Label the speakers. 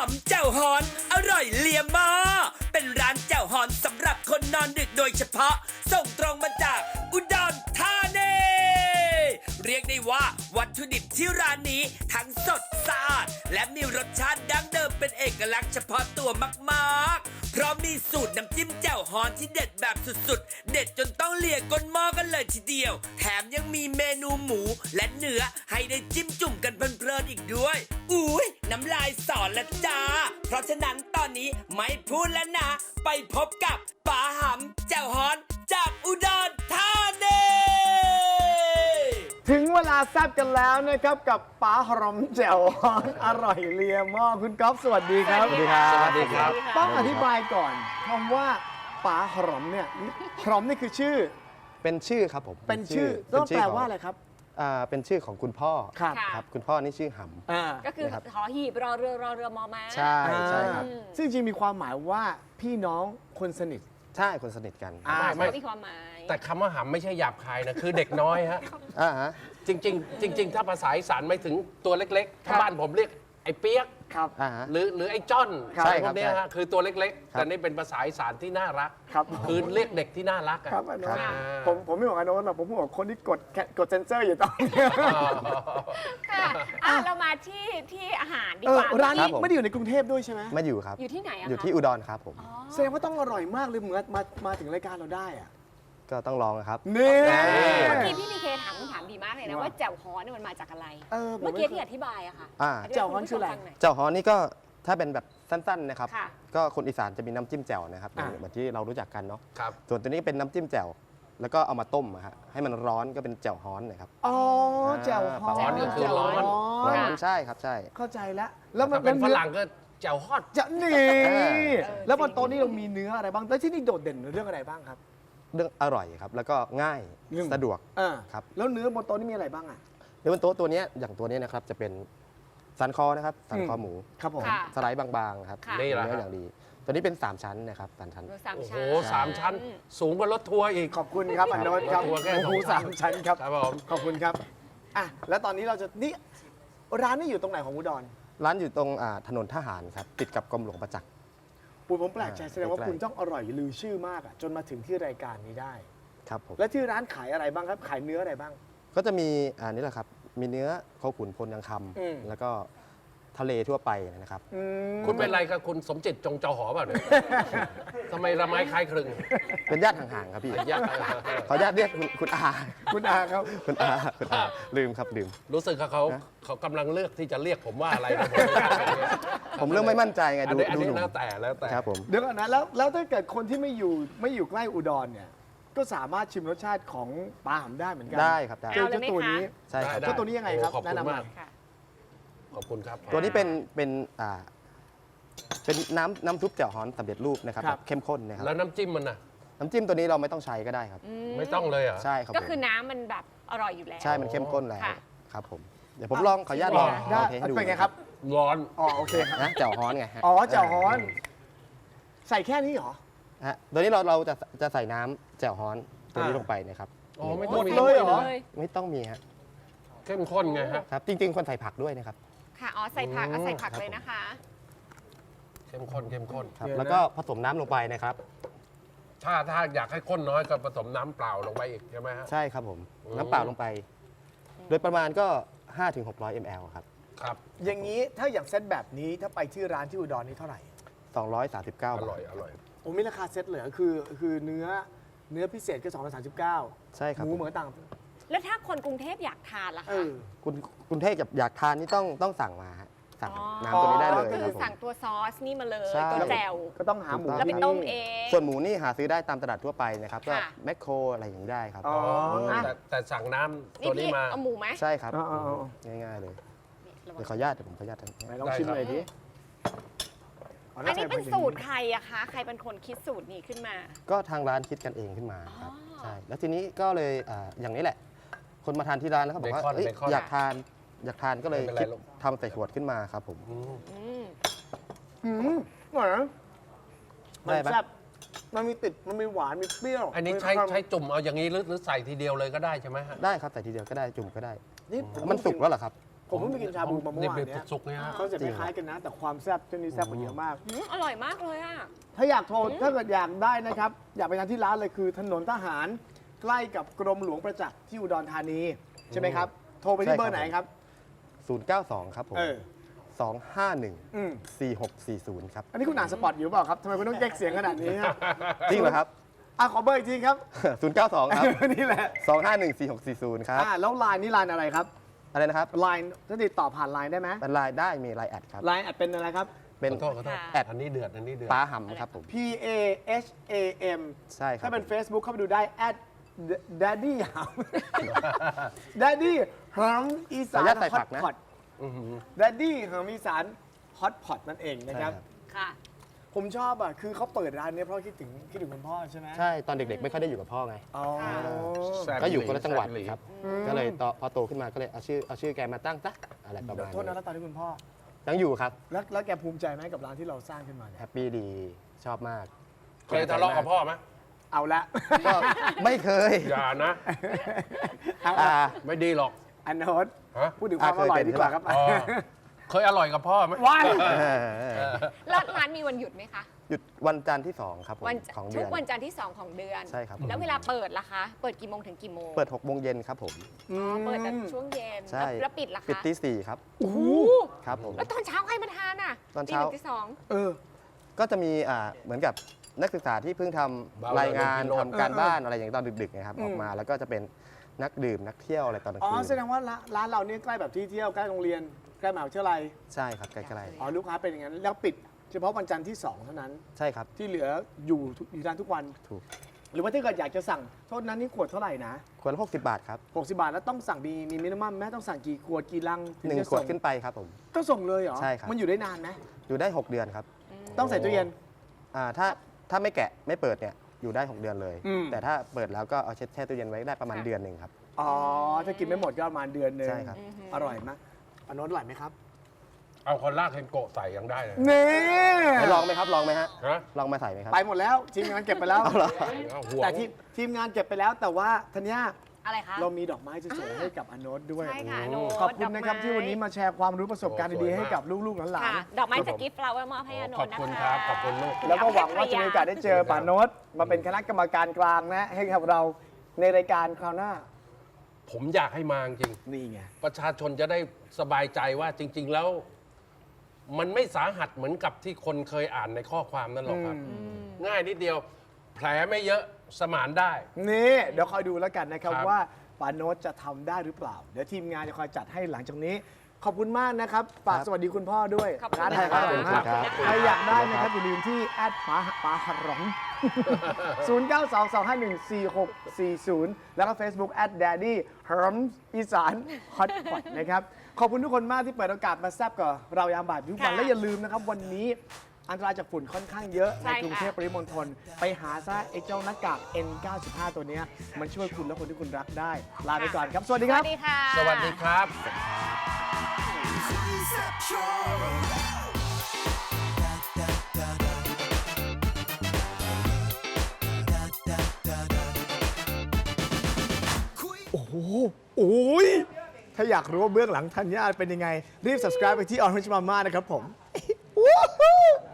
Speaker 1: ำแจ่วฮอนอร่อยเลียมอเป็นร้านแจ่วฮอนสำหรับคนนอนดึกโดยเฉพาะส่งตรงมาจากอุดรธานีเรียกได้ว่าวัตถุดิบที่ร้านนี้ทั้งสดสะอาดและมีรสชาติดั้งเดิมเป็นเอกลักษณ์เฉพาะตัวมากๆเพราะมีสูตรน้ำจิ้มแจ่วฮอนที่เด็ดแบบสุดๆเด็ดจนต้องเลียก้นหม้อกันเลยทีเดียวแถมยังมีเมนูหมูและเนื้อให้ได้จิ้มจุ่มกันเพลินๆอีกด้วยอุ้ยน้ำลายสอนละจ้าเพราะฉะนั้นตอนนี้ไม่พูดแล้วนะไปพบกับป๋าหำแจ่วฮอนจากอุดรธานี
Speaker 2: ถึงเวลาแซ่บกันแล้วนะครับกับป๋าหรอมแจ่วฮอนอร่อยเลียหม้อคุณก๊อฟสวัสดีครับ
Speaker 3: สวัสดีครับ
Speaker 4: สวัสดีครับ
Speaker 2: ต้องอธิบายก่อนคำว่าป๋าหรอมเนี่ยหรอมนี่คือชื่อ
Speaker 3: เป็นชื่อครับผม
Speaker 2: เป็นชื่อต้องแปลว่าอะไรครับ
Speaker 3: เป็นชื่อของคุณพ่อ
Speaker 2: ครับ
Speaker 3: ครับคุณพ่อนี่ชื่อห
Speaker 4: ก็คือ
Speaker 3: นะครับ
Speaker 4: หอหีบรอเรือมอม้า
Speaker 3: ำใช่ใช่ครับ
Speaker 2: ซึ่งจริงมีความหมายว่าพี่น้องคนสนิท
Speaker 3: ใช่คนสนิทกัน
Speaker 4: ไม่มีความหมาย
Speaker 5: แต่คำว่าหำไม่ใช่หยาบคายนะ คือเด็กน้อยฮะ
Speaker 3: ฮะ
Speaker 5: จริง ๆ ถ้าภาษาอีสานไม่ถึงตัวเล็กๆ ถ้าบ้านผมเรียกไอ้เปียก
Speaker 2: ครับ
Speaker 3: ฮะ
Speaker 5: หรือไอ้จ้อน
Speaker 3: ครับ
Speaker 5: อะไรพวกเนี้ย
Speaker 3: ใช่ครั
Speaker 5: ฮะ
Speaker 3: บ
Speaker 5: คือตัวเล็กๆ
Speaker 3: ครับ
Speaker 5: แต่นี่เป็นภาษาอีสานที่น่ารัก
Speaker 2: ครับ
Speaker 5: คือเรียกเด็กที่น่ารักอะ
Speaker 2: ครับอโนนท์
Speaker 5: อ่า
Speaker 2: ผมไม่บอกอโนนท์หรอกผมบอกคนที่กดเซนเซอร์อยู่ตอนนี้
Speaker 4: ค่ะเรามาที่อาหารดี
Speaker 2: เอก อ
Speaker 4: ว่า
Speaker 2: ร้านนี้
Speaker 3: ครับผม
Speaker 2: ไม่ได้อยู่ในกรุงเทพด้วยใช่ไหม
Speaker 3: มาอยู่ครับ
Speaker 4: อยู่ที่ไหนอะคะ
Speaker 3: อยู่ที่อุดรครับผม
Speaker 2: แสดงว่าต้องอร่อยมากเลยเหมือนมาถึงรายการเราได้อะ
Speaker 3: ก็ต้องลองนะครับ
Speaker 2: นี่
Speaker 4: เมื่อกี้พี่พีเคถามคำถามดีมากเลยนะว่าแจ่วฮ้อนเนี่ยมันมาจากอะไร
Speaker 2: ผม
Speaker 4: เมื่อกี้ที่อธิบายอะค่ะ
Speaker 3: อ่า
Speaker 4: ธิบาย
Speaker 2: แจ่วฮ้อนคืออะไร
Speaker 4: ให้คุณผู้ชมฟังหน่ย
Speaker 3: เจ้าฮอนนี่ก็ถ้าเป็นแบบสั้นๆนะครับ
Speaker 4: ค่ะ
Speaker 3: ก็คนอีสานจะมีน้ำจิ้มแจ่วนะครับ
Speaker 2: อ่า
Speaker 3: เหมือนที่เรารู้จักกันเนาะ
Speaker 5: ครับ
Speaker 3: ส่วนตัวนี้เป็นน้ำจิ้มแจ่วแล้วก็เอามาต้มอะฮะให้มันร้อนก็เป็นแจ่วฮอนนะครับ
Speaker 2: อ๋อแจ่วฮ้อน
Speaker 5: ฮ้อนก็คือร้อน
Speaker 3: ร้อนใช่ครับใช่
Speaker 2: เข้าใจแล้วแล้วมัน
Speaker 5: ถ้าเป็นฝรั่งก็แจ่วฮอด
Speaker 2: จะนี่
Speaker 3: อ่า
Speaker 2: แล้วบนโต๊ะนี้เรามีเนื้ออะไรบ้างแล้วที่นี่โดดเด่นเรื่องอะไรบ้างครับ
Speaker 3: เรื่องอร่อยครับแล้วก็ง่าย
Speaker 2: หนึ่ง
Speaker 3: สะดวก ครับ
Speaker 2: แล้วเนื้อบนโต๊ะนี่มีอะไรบ้างอ่ะ
Speaker 3: เนื้อบนโต๊ะตัวเนี้ยอย่างตัวเนี้ยนะครับจะเป็นสันคอนะครับสันคอหมู
Speaker 2: ครับผม
Speaker 4: ค่ะ
Speaker 3: สไลด์บางๆครับ
Speaker 4: ค่ะ
Speaker 5: นี่แหละ
Speaker 3: เนื้ออย่างดี ตัวนี้เป็น 3 ชั้นนะครับ3ชั้น
Speaker 4: หมูสาม
Speaker 5: โอ้โห
Speaker 4: ชั้น
Speaker 5: 3 ชั้น สูงกว่ารถทัวร์อีก
Speaker 2: ขอบคุณครับอโนนท์ครับ
Speaker 5: หัวแค่
Speaker 2: หมู
Speaker 5: สองชั้น
Speaker 2: 3 ชั้นครับ
Speaker 5: ครับผม
Speaker 2: ขอบคุณครับอ่ะแล้วตอนนี้เราจะนี่ร้านนี้อยู่ตรงไหนของอุดร
Speaker 3: ร้านอยู่ตรงถนนทหารครับติดกับกรมหลวงประจักษ์
Speaker 2: ปูผมแปลกใจแสดงว่า
Speaker 3: ใกล้ๆ
Speaker 2: คุณต้องอร่อยลือชื่อมากอ่ะจนมาถึงที่รายการนี้ได้
Speaker 3: ครับผม
Speaker 2: และที่ร้านขายอะไรบ้างครับขายเนื้ออะไรบ้าง
Speaker 3: ก็จะมีนี่แหละครับมีเนื้อโคขุนพลยังค
Speaker 2: อืม
Speaker 3: ำแล้วก็ทะเลทั่วไปนะครับ
Speaker 5: คุณเป็นอะไรกับคุณสมจิตจงจอหอเปล่าเนี่ย ทำไมละไม้คล้ายคลึง
Speaker 3: เป็นญาติห่างๆครับพี่
Speaker 5: ยาก
Speaker 3: ขออนุญาตเรียกคุณอา
Speaker 2: คุณอาครับ
Speaker 3: คุณอาคุณอาลืมครับลืม
Speaker 5: รู้สึกเขากำลังเลือกที่จะเรียกผมว่าอะไรนะผมไม่กล้าเรียก
Speaker 3: ผมเริ่มไม่มั่นใจไง
Speaker 5: อัน
Speaker 3: ดู
Speaker 5: นี้อัน
Speaker 3: ดู
Speaker 5: นี้
Speaker 3: หนุ่ม
Speaker 5: แล้วแต่
Speaker 3: ครับผม
Speaker 2: เดี๋ยวก่อนนะแล้วถ้าเกิดคนที่ไม่อยู่ใกล้อุดรเนี่ยก็สามารถชิมรสชาติของปลาหำได้เหมือนกั
Speaker 3: ได้ครับได้
Speaker 2: เจอเจ้าตัวนี้
Speaker 3: ใช่ครับ
Speaker 2: เจ้าตัวนี้ยังไงครับ
Speaker 5: โอ้ขอบคุณ
Speaker 2: แนะนำหน่
Speaker 5: มา
Speaker 2: อก ย
Speaker 4: ค่ะ
Speaker 5: ขอบคุณครับ
Speaker 3: ตัวนี้เป็นน้ำซุปแจ่วฮ้อนสำเร็จรูปนะครับ
Speaker 2: ครับ
Speaker 3: แบบเข้มข้นนะครับ
Speaker 5: แล้วน้ำจิ้มมันน่ะ
Speaker 3: น้ำจิ้มตัวนี้เราไม่ต้องใช้ก็ได้ครับ
Speaker 5: ไม่ต้องเลยเหรอ่ะ
Speaker 3: ใช่ครับ
Speaker 4: ก็
Speaker 3: ผม
Speaker 4: คือน้ำมันแบบอร่อยอยู่แล้ว
Speaker 3: ใช่มันเข้มข้นแล้ว
Speaker 4: ค่ะ
Speaker 3: ครับผมเดี๋ยวผมลองขออนุญาตลอง
Speaker 2: ได้
Speaker 3: เทให้ดู
Speaker 2: เป็นไงครับ
Speaker 5: ร้อน
Speaker 2: อ๋อโอเคครับ
Speaker 3: นะแจ่วฮ้อนไงฮะ
Speaker 2: อ๋อแจ่วฮ้อน ใส่แค่นี้เหรอ
Speaker 3: ฮะตัวนี้เราจะใส่น้ำแจ่วฮ้อนตัวนี้ลงไปนะครับ
Speaker 5: อ๋อไม่
Speaker 2: ห
Speaker 5: ต้
Speaker 2: ม
Speaker 5: อง
Speaker 2: ด
Speaker 5: มี
Speaker 2: เลยเหรอ
Speaker 3: ไม่ต้องมีฮะ
Speaker 5: เข้มข้นไงฮะ
Speaker 3: ครับจริงๆคนใส่ผักด้วยนะครับ
Speaker 4: ค่ะอ๋อใส่ผักเอาใส่ผัก
Speaker 3: ครับ
Speaker 4: เลยนะคะ
Speaker 5: เข้มข้นเข้มข้น
Speaker 3: ครับ
Speaker 2: เดี๋ยวนะ
Speaker 3: แล้วก็ผสมน้ำลงไปนะครับ
Speaker 5: ถ้าอยากให้ข้นน้อยก็ผสมน้ำเปล่าลงไปอีกใช่ไหมฮะ
Speaker 3: ใช่ครับผม
Speaker 5: อืม
Speaker 3: น้ำเปล่าลงไป โดยประมาณก็ 5-600 ml ครับ
Speaker 5: ครับ
Speaker 2: อย่างนี้ถ้าอย่างเซตแบบนี้ถ้าไปที่ร้านที่อุดรนี่เท่าไหร่
Speaker 3: 239 บา
Speaker 5: อ
Speaker 3: ท
Speaker 5: ร่อยอร่อย
Speaker 2: โอ้มีราคาเซตเลยเหรอคือเนื้อพิเศษก็239
Speaker 3: ใช่ครับ
Speaker 2: หมู
Speaker 3: ผม
Speaker 2: เหมือนต่าง
Speaker 4: แล้วถ้าคนกรุงเทพอยากทานล่ะ
Speaker 2: เอ
Speaker 4: คะ
Speaker 2: อ
Speaker 3: คุณเทพอยากทานนี่ต้องสั่งมาฮะสั่ง
Speaker 4: อ๋อ
Speaker 3: น้ำตัวนี้ได้เลย
Speaker 4: ก็
Speaker 3: ค
Speaker 4: คื
Speaker 3: รั
Speaker 4: อบ
Speaker 3: ผม
Speaker 4: สั่งตัวซอสนี่มาเลย
Speaker 3: ใช่
Speaker 4: ตัวแจ่ว
Speaker 2: ก็ต้องหาหมู
Speaker 4: แล้วไปต้มเอง
Speaker 3: ส่วนหมูนี่หาซื้อได้ตามตลาดทั่วไปนะครับก็
Speaker 4: ค่ะ
Speaker 3: แมคโครอะไรอย่างนี้ได้ครับ
Speaker 2: อ๋อ
Speaker 5: อ๋อแต่สั่งน้ำ
Speaker 4: นี่
Speaker 5: ตัวนี้
Speaker 4: พี่
Speaker 5: มา
Speaker 4: เอาหมูไหม
Speaker 3: ใช่ครับ
Speaker 2: อ๋อ
Speaker 3: ง่ายๆเลย
Speaker 4: นี่ระวั
Speaker 3: เดี๋
Speaker 4: ง
Speaker 3: ยวขออนุญาตเดี๋ยวผมขออนุญาต
Speaker 2: ไหนลองชิมหน่อยดิ
Speaker 4: อันนี้เป็นสูตรใครอะคะ ใครเป็นคนคิดสูตรนี้ขึ้นมา
Speaker 3: ก็ทางร้านคิดกันเองขึ้นมาครับ
Speaker 4: อ๋อ
Speaker 3: ใช่แล้วทีนี้ก็เลยอย่างนี้แหละ คนมาทานที่ร้านแล้วเขาบอกว่า
Speaker 5: เบคอน
Speaker 3: เอ้ย
Speaker 5: เบคอน
Speaker 3: อยากทานก็เลย
Speaker 5: ไม่เป็นไร
Speaker 3: คิด
Speaker 5: ลูก
Speaker 3: ทำใส่ขวดขึ้นมาครับผม
Speaker 5: อืม
Speaker 4: อืม
Speaker 2: อร่อยนะมัน
Speaker 3: ได้ปะ
Speaker 2: แซ่บมันมีติดมันมีหวานมีเปรี้ยว
Speaker 5: อันนี้
Speaker 2: มี
Speaker 5: ใช้
Speaker 2: ความ
Speaker 5: จุ่มเอาอย่างนี้หรือใส่ทีเดียวเลยก็ได้ใช่ไหมฮะ
Speaker 3: ได้ครับใส่ทีเดียวก็ได้จุ่มก็ได้
Speaker 2: นี่
Speaker 3: มันสุกแล้วเหรอครับ
Speaker 2: ผมเพิ่งไปกินชาบูมาเมื่อวาน
Speaker 5: นี่
Speaker 2: เนี้ย
Speaker 5: สุกๆเนี่ยฮะ
Speaker 2: เขาจะคล้ายๆกันนะ แต่ความแซ่บเช่นนี้แซ่บกว่าเยอะมาก
Speaker 4: อร่อยมากเลยอ่ะ
Speaker 2: ถ้าอยากโทรถ้าเกิดอยากได้นะครับ อยากไปทานที่ร้านเลยคือถนนทหารใกล้กับกรมหลวงประจักษ์ที่อุดรธานีใช่ไหมครับ โทรไปที่เบอร์ไหนครับ
Speaker 3: 092 ครับผม
Speaker 2: เออ
Speaker 3: 251
Speaker 2: อืม
Speaker 3: 4640 ครับ
Speaker 2: อันนี้คุณอ่านสปอตอยู่เปล่าครับทำไมคุณต้องแยกเสียงขนาดนี้ครับ
Speaker 3: จริงเหรอครับ
Speaker 2: ขอเบอร์อีกทีครับ
Speaker 3: 092 ครับ
Speaker 2: นี่แหละ
Speaker 3: 251 4640 ครับ
Speaker 2: แล้วไลน์นี่ไลน์อะไรครับ
Speaker 3: อะไรนะครับ
Speaker 2: ไลน์ถ้าติดต่อผ่านไลน์ได้ไหม
Speaker 3: เป็นไลน์ได้มีไลน์แอดครับ
Speaker 2: ไลน์แอดเป็นอะไรครับ
Speaker 3: เป็น
Speaker 5: ขอโทษ
Speaker 4: ค่ะ
Speaker 3: แอด
Speaker 5: อันนี้เดือดอันนี้เดือด
Speaker 3: ป้าหำครับผม
Speaker 2: P A H A M
Speaker 3: ใช่ครับ
Speaker 2: ถ้าเป็น Facebook เข้าไปดูได้ @daddy หำ daddy หำอีสาน
Speaker 3: ขออนุญาตใส่
Speaker 2: ฮอ
Speaker 3: ผั
Speaker 2: ต
Speaker 3: กนะ
Speaker 2: พอต daddy หำอีสานฮอตพอตนั่นเองนะครับ
Speaker 3: ใช่ครับ
Speaker 4: ค่ะ
Speaker 2: ผมชอบคือเขาเปิดร้านเนี้ยเพราะคิดถึงคุณพ่อใช่ไหม
Speaker 3: ใช่ตอนเด็กๆ ไม่ค่อยได้อยู่กับพ่อไง
Speaker 2: อ๋อ
Speaker 5: แซ่บ
Speaker 3: ก็อยู่คนละจังหวัด
Speaker 5: แซ่บ
Speaker 3: ครับ ก็เลยพอโตขึ้นมาก็เลยเอาชื่อแกมาตั้งซะอะไรประมาณ
Speaker 2: โทษนะ
Speaker 3: นี้
Speaker 2: แล้วตอนที่คุณพ่อ
Speaker 3: ยังอยู่ครับ
Speaker 2: แล้วแกภูมิใจไหมกับร้านที่เราสร้างขึ้นมาเนี่ย
Speaker 3: แฮปปี้ดีชอบมาก
Speaker 5: เคยทะเลาะกับพ่อไหม
Speaker 2: เอาละ
Speaker 3: ก็ไม่เคย
Speaker 5: อย่านะ
Speaker 2: เอา
Speaker 3: อ่า
Speaker 5: ไม่ดีหรอก
Speaker 2: อันโนต
Speaker 5: ฮะ
Speaker 2: พูดถึงความอร่อยดีกว่าครับ
Speaker 5: อ๋อเคยอร่อยกับพ่อไหม
Speaker 2: ว้าย
Speaker 4: แล้วร้านมีวันหยุดไหมคะ
Speaker 3: หยุดวันจันทร์ที่ 2 ครับผม
Speaker 4: วัน
Speaker 3: ของ
Speaker 4: ทุ
Speaker 3: เดื
Speaker 4: ก
Speaker 3: อน
Speaker 4: วันจันทร์ที่ 2 ของเดือน
Speaker 3: ใช่ครับ
Speaker 4: แล้วเวลาเปิดล่ะคะ เปิดกี่โมงถึงกี่โมง
Speaker 3: เปิด6โมงเย็นครับผม
Speaker 4: อ๋อเปิดแต่ช่วงเย็น
Speaker 3: ใช่
Speaker 4: แล้วปิดล่ะคะ
Speaker 3: ปิดที่ 4 ครับ
Speaker 2: โอ้โห
Speaker 3: ครับผม
Speaker 4: แล้วตอนเช้าใครมาทานอ่ะ
Speaker 3: ตอนเช้า
Speaker 4: ตี 1ตี 2
Speaker 2: เออ
Speaker 3: ก็จะมีเหมือนกับนักศึกษาที่เพิ่งทำรายงานทำการบ้านอะไรอย่างตอนดึกๆนะครับออกมาแล้วก็จะเป็นนักดื่มนักเที่ยวอะไรตอนกลาง
Speaker 2: อ๋อ
Speaker 3: คืน
Speaker 2: แสดงว่าร้านเราเนี่ยใกล้แบบที่เที่ยวใกล้โรงเรียนใกล้มหาวิทยาลัย
Speaker 3: ใช่ครับใกล้
Speaker 2: อ๋อลูกค้าเป็นอย่างนั้น แล้วปิดเฉพาะวันจันทร์ที่ 2 เท่านั้น
Speaker 3: ๆใช่ครับ
Speaker 2: ที่เหลืออยู่ร้านทุกวัน
Speaker 3: ถูก
Speaker 2: หรือว่าถ้าเกิดอยากจะสั่งโทษนั้นนี่ขวดเท่าไหร่นะ
Speaker 3: ขวดละ60 บาทครับ
Speaker 2: 60 บาทแล้วต้องสั่งมีมินิมัมไหมต้องสั่งกี่ขวดกี่ลังถึงจะ
Speaker 3: 1 ขวด
Speaker 2: ส่ง
Speaker 3: ขึ้นไปครับผม
Speaker 2: ก็ส่งเลยเหรอ
Speaker 3: ใช่ครับ
Speaker 2: มันอยู่ได้นานไหม
Speaker 3: อยู่ได้ 6 เดือนครับ
Speaker 2: ต้องใส่ตู้เย็น
Speaker 3: ถ้าไม่แกะไม่เปิดเนี่ยอยู่ได้ 6 เดือนเลย
Speaker 2: อืม
Speaker 3: แต่ถ้าเปิดแล้วก็เอาแช่ตู้เย็นไว้ได้ประมาณเดือนหนึ่งครับ
Speaker 2: อ๋อถ้ากินไม่หมดก็ประมาณเดือนหนึง
Speaker 3: ใช่ครับ
Speaker 2: อร่อยไหมอันโน้นอร่อยไหมครับ
Speaker 5: เอาคนลากเคนโกะใส่ยังได้เลย
Speaker 2: นี่
Speaker 3: ให้ลองไหมครับลองไหมฮะ
Speaker 5: ฮะ
Speaker 3: ลองมาใส่ไหมครับ
Speaker 2: ไปหมดแล้วทีมงานเก็บไปแล้ว
Speaker 3: เอาเหรอ
Speaker 5: เอาห่วง
Speaker 2: แต่ทีมงานเก็บไปแล้วแต่ว่าธัญญา
Speaker 4: อะไรคะ
Speaker 2: เรามีดอกไม้จะส่งให้กับอโนตด้วย
Speaker 4: ใช่ค่ะโน้ต
Speaker 2: ขอบคุณนะครับ
Speaker 4: ดอกไม้
Speaker 2: ที่วันนี้มาแชร์ความรู้ประสบการณ์ดีๆให้กับลูกๆหลาน
Speaker 4: ค่ะ ดอกไม้จากกิฟต์ฟลาวเวอร์มอบให้อโน
Speaker 5: ขอบ
Speaker 4: นะคะ
Speaker 5: คุณครับ ขอบคุณลูก
Speaker 2: ๆแล้วก็หวังว่าจะมีโอกาสได้เจอป่าโนตมาเป็นคณะกรรมการกลางนะให้กับเราในรายการคราวหน้า
Speaker 5: ผมอยากให้มาจริง
Speaker 2: นี่ไง
Speaker 5: ประชาชนจะได้สบายใจว่าจริง ๆ แล้ว มันไม่สาหัสเหมือนกับที่คนเคยอ่านในข้อความนั่นหรอกครับ ง่ายนิดเดียว แผลไม่เยอะสมานได้
Speaker 2: นี่เดี๋ยวคอยดูแล้วกันนะครับ
Speaker 5: ครับ
Speaker 2: ว่าป่าโนตจะทำได้หรือเปล่า เดี๋ยวทีมงานจะคอยจัดให้หลังจากนี้ ขอบคุณมากนะครับฝากสวัสดีคุณพ่อด้วย
Speaker 4: ขอบคุณ
Speaker 2: ร้านไทย
Speaker 4: ค่ะ
Speaker 2: อร่อยมาก
Speaker 3: ครับ
Speaker 2: ใครอยากได้นะครับอย่าลืมที่แอดป๋าหรอง 0922514640 แล้วก็ Facebook @daddy herm อีสานฮอตพอตนะครับ ขอบคุณทุกคนมากที่เปิดโอกาสมาแซบกับเรายามบ่ายทุกวัน
Speaker 4: ค่ะ
Speaker 2: และอย่าลืมนะครับ วันนี้อันตรายจากฝุ่นค่อนข้างเยอะ
Speaker 4: ใช่
Speaker 2: ใน
Speaker 4: ค่ะ
Speaker 2: กรุงเทพปริมณฑลไปหาซะไอ้เจ้าหน้ากาก N95 ตัวเนี้ยมันช่วยคุณและคนที่คุณรักได้ ลาไปก่อนครับ สวัสดี
Speaker 4: ส
Speaker 2: ครั
Speaker 4: วั
Speaker 2: บ
Speaker 4: สดีค่ะ
Speaker 5: สวัสดีครับ
Speaker 2: โอ้ยถ้าอยากรู้ว่าเบื้องหลังธัญญาเป็นยังไง รีบ subscribe ไปที่ Orange Mama นะครับผม